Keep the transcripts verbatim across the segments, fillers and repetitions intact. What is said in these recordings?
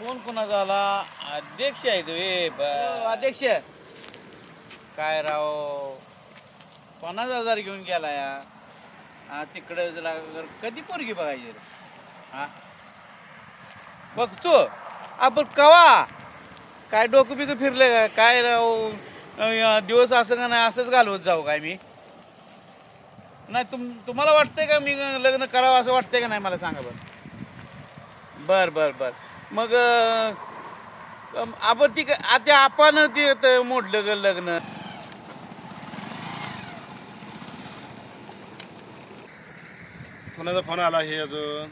Phone कोणाचा आला? अध्यक्ष आहे तुम्ही? अध्यक्ष काय राव, पन्नास हजार घेऊन गेला या. हा तिकडे कधी पोरगी बघायची रे? हा बघतो आपण कवा काय डोकं बिकं फिरले का काय राव? अं, दिवस असं का नाही असंच घालवत जाऊ काय मी? नाही तुम तुम्हाला वाटतंय का मी लग्न करावं असं वाटतंय का नाही मला सांगा बरं. बर बर बर मग अं, आपण ती आता आपण ते त- मोडलं ग लग्न. कोणाचा फोन आला हे अजून?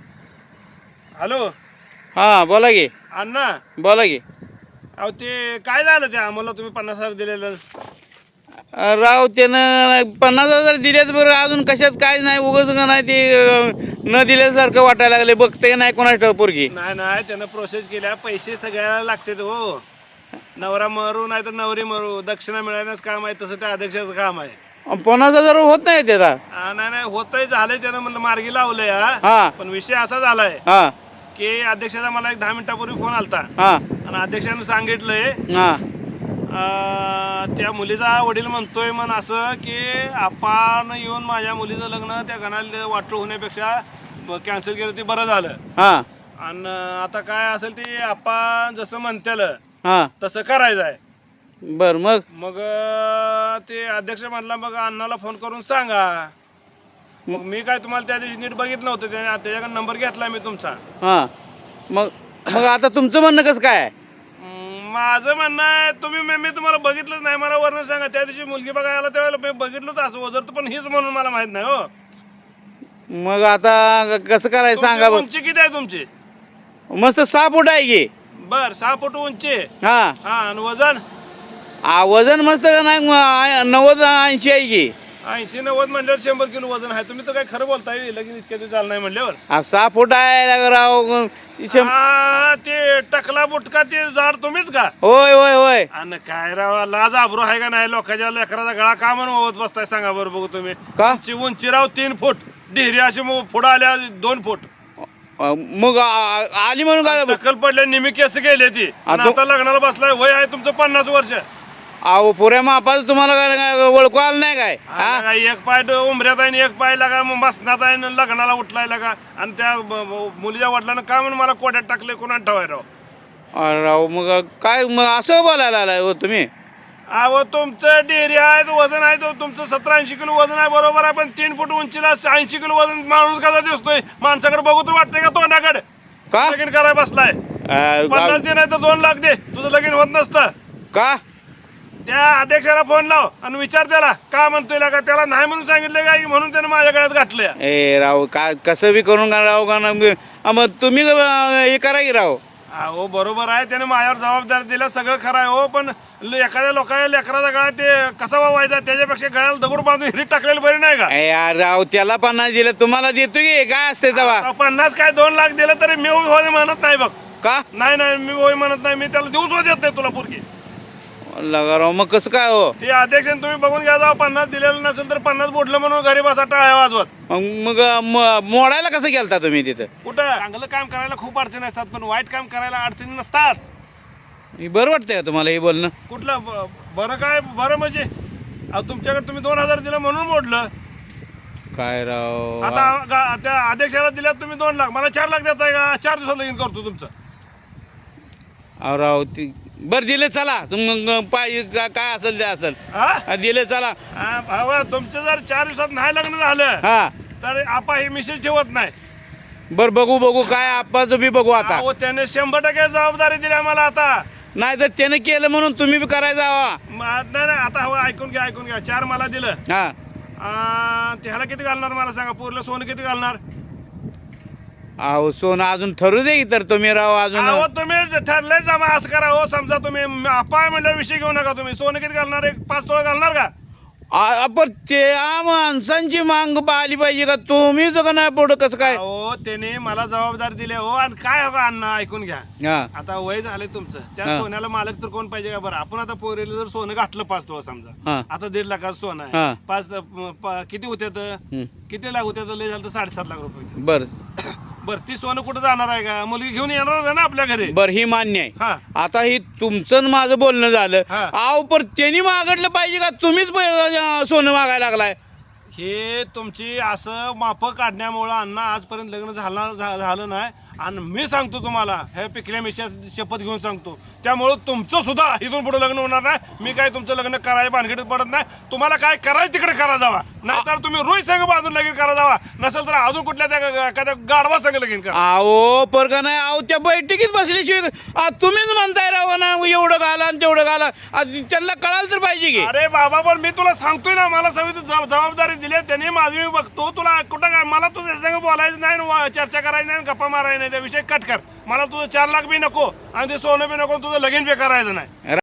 हॅलो हां बोला की. अण्णा, बोला की. अहो ते काय झालं ते आम्हाला तुम्ही पन्नास हजार दिलेलं? अं, राव त्यानं पन्नास हजार दिलेत बरं, अजून कशात काय नाही, उगाच का नाही ते अं, न दिल्यासारखं वाटायला लागले. बघते नाही कोणाची पोरगी. नाही नाही, त्यानं प्रोसेस केल्या, पैसे सगळ्याला लागतात हो. नवरा मरू नाही तर नवरी मरू, दक्षिणा मिळण्याचं काम आहे, तसं त्या अध्यक्षाचं काम आहे. पन्नास हजार होत नाही त्याला. हा, नाही नाही होतंय, झालंय, त्यानं म्हणलं मार्गी लावलंय. हा हा पण विषय असा झालाय हा की अध्यक्षाचा मला एक दहा मिनिटापूर्वी फोन आलता हा आणि अध्यक्षानं सांगितलंय हा अं, त्या मुलीचा वडील म्हणतोय म्हण असं की आपण येऊन माझ्या मुलीचं लग्न त्या घराला वाटलं होण्यापेक्षा कॅन्सल केलं ते बरं झालं. हा आणि आता काय असेल ते आपण जसं म्हणतेल हा तसं करायचं आहे. बर मग मग अं, ते अध्यक्ष म्हणला मग अण्णाला फोन करून सांगा. मग मी काय तुम्हाला त्या दिवशी नीट बघितलं नव्हतं, त्याने त्याच्याकडे नंबर घेतला मी तुमचा. हा मग मग आता तुमचं म्हणणं कसं काय आहे? हम्म, माझं म्हणणं आहे तुम्ही मी मी तुम्हाला बघितलंच नाही, मला वर्ण सांगा. त्या दिवशी मुलगी बघायला आला त्यावेळेला मी बघितलं तर असं वजर पण हीच म्हणून मला माहित नाही हो. मग आता कसं करायचं सांगा तुमची बरं. उंची किती आहे तुमची? मस्त सहा फूट आहे की. बर सहा फूट उंची. हा हा आणि वजन आ, वजन मस्त का नाही म- नव्वद ऐंशी आहे की. ऐंशी नव्वद म्हणल्यावर शंभर किलो वजन आहे. तुम्ही तर काय खरं बोलताय, लगीन इतक्या दिवस झालं नाही म्हणल्यावर. आ, सहा फूट आहे राव. शं- हा, ते टकला बुटका ते झाड तुम्हीच का? होय होय होय. आणि काय राव, लाज आबरू आहे का नाही? लोकांच्या लेकराचा गळा का म्हणून ओवत बसताय सांगा बरं बघू तुम्ही. का उंची उंची राव तीन फूट, डिहरी अशी मग पुढं आल्या दोन फूट, अ, मग आ- आली म्हणून काय टक्कल पडल्या निमी केस गेले ती. आणि आता- आता लग्नाला बसलाय, वय आहे तुमचं पन्नास वर्ष. अहो पुऱ्या मापाचं तुम्हाला काय काय ओळखू आलं नाही काय? हा, हा काय एक पाय ड- उंबऱ्यात आहे आणि एक पाय लागा मग मसनात आहे आणि लग्नाला उठलाय लागा. आणि त्या ब- ब- मुलीच्या वडिलांना का म्हणून मला कोट्यात टाकले कोणाला ठेवाय राव? अरे राव मग काय मग असं बोलायला आलाय हो तुम्ही? अहो तुमचं डेअरी आहे, तो वजन आहे, तो तुमचं सतरा ऐंशी किलो वजन आहे, बरोबर आहे. पण तीन फूट उंचीला ऐंशी किलो वजन माणूस कसा दिसतोय? माणसाकडे बघू तर वाटतंय का तोंडाकडे? का लगीन करायला बसलाय. अ, पन्नास दे नाही तर दोन लाख दे, तुझं लगीन होत नसतं. का त्या अध्यक्षाला फोन लाव आणि विचार त्याला का म्हणतोय का. त्याला नाही म्हणून सांगितलं का म्हणून त्यानं माझ्या गळ्यात घातलं. ए राव का कसं बी करून का राव का ना अ, मग तुम्ही अ, हे करा की राव. हो बरोबर आहे, त्याने माझ्यावर जबाबदारी दिला, सगळं खरं आहे हो. पण ल- एखाद्या लोकांच्या लेकराचा गळा ते कसा वावायचा, त्याच्यापेक्षा गळ्याला दगड बांधून हिरीत टाकलेलं बरी नाही का? ए यार राव त्याला पन्नास दिलं तुम्हाला देतो की काय असते तेव्हा? आता पन्नास काय दोन लाख दिलं तरी मी होय म्हणत नाही बघ. का नाही नाही मी होय म्हणत नाही, मी त्याला दिवस देत नाही तुला पुरगी. लगा राव मग कसं काय हो? ते अध्यक्ष तुम्ही बघून घ्या जाऊ, पन्नास दिलेलं नसेल तर पन्नास बोटलं म्हणून घरी बसा टाळ्या वाजवत. मग मग म- मोडायला कसं गेलता तुम्ही तिथं? कुठं चांगलं काम करायला खूप अडचणी असतात, पण वाईट काम करायला अडचणी नसतात. हे बरं वाटतंय का तुम्हाला हे बोलणं? कुठलं ब- बरं काय बरं म्हणजे अहो, तुमच्याकडे तुम्ही दोन हजार दिलं म्हणून मोडलं. काय राव आता गा- त्या अध्यक्षाला दिल्यात तुम्ही दोन लाख, मला चार लाख देताय का? चार दिवसात लगीन करतो तुमचं. अहो राव ती बरं दिले चला तुम मग पाय का- काय असेल ते असेल. हा? हा, दिले चला. हा, भावा, तुमचं जर चार दिवसात नाही लग्न झालं हा तर आपा हे मिसेस ठेवत नाही. बर बघू बघू काय आप्पाचं बी बघू आता. अहो, त्याने शंभर टक्के जबाबदारी दिली आम्हाला आता. नाही तर त्याने केलं म्हणून तुम्ही बी करायचं हवा. म- नाही नाही आता हवं, ऐकून घ्या ऐकून घ्या. चार मला दिलं, हा आ, त्याला किती घालणार मला सांगा? पोरलं सोनं किती घालणार? अहो सोनं अजून ठरू दे की तर तुम्ही राव अजून. अहो तुम्ही ठरलंय जमा असं करा हो. समजा तुम्ही आपा म्हणल्यावर विषय घेऊ नका. तुम्ही सोनं किती घालणार? एक पाच तोळा घालणार का? आ- पण त्या माणसांची मांग आली पाहिजे का? तुम्हीच का नाही पुढं कसं काय? हो त्याने मला जबाबदारी दिली हो. आणि काय हो का अण्णा, ऐकून घ्या. हा आता वय झालंय तुमचं, त्या हा. सोन्याला मालक तर कोण पाहिजे का? बरं आपण आता पोरीला जर सोनं घातलं पाच तोळा समजा, हा. आता दीड लाखाचं सोनं हा. आहे. पाच प- किती होत्यात? हम्म. किती लाख होत्यात? लय झालं तर साडेसात लाख रुपये होते. बर बरं ती सोनं कुठं जाणार आहे का मुलगी घेऊन येणार आहे ना आपल्या घरी बर ही मान्य आहे. हा आता ही तुमचं आणि माझं बोलणं झालं. हा. आव पर त्यांनी मागडलं पाहिजे का तुम्हीच पै- अं, सोनं मागायला लागलाय. हे तुमची असं माफं काढण्यामुळं अण्णा आजपर्यंत लग्न झालं झा- झालं नाही आणि मी सांगतो तुम्हाला हे पिकल्या मिशा शपथ घेऊन सांगतो त्यामुळं तुमचं सुद्धा इथून पुढे लग्न होणार नाही. मी काय तुमचं लग्न करायला भानगडीत पडत नाही. तुम्हाला काय करायचं तिकडे करा जावा नाहीतर तुम्ही रोज संघ बांधून लगीन करा जावा नसेल तर अजून कुठल्या त्या एखाद्या गाढवा संघ लगीन करा. आहो पर का नाही आहो त्या बैठकीत बसल्याशिवाय आ, तुम्हीच म्हणताय राव ना एवढं घाला आणि तेवढं घाला आ, त्यांना कळायला तर पाहिजे की. अरे बाबा पण मी तुला सांगतोय ना मला सगळी जब- जबाबदारी दिली आहे. त्यांनी माझी मी बघतो तुला कुठं काय मला तुझ्या संग बोलायचं नाही व चर्चा करायची नाही गप्पा मारायची नाही त्या विषय कट कर. मला तुझं चार लाख बी नको आणि ते सोनं बी नको तुझं लगीन बी करायचं नाही.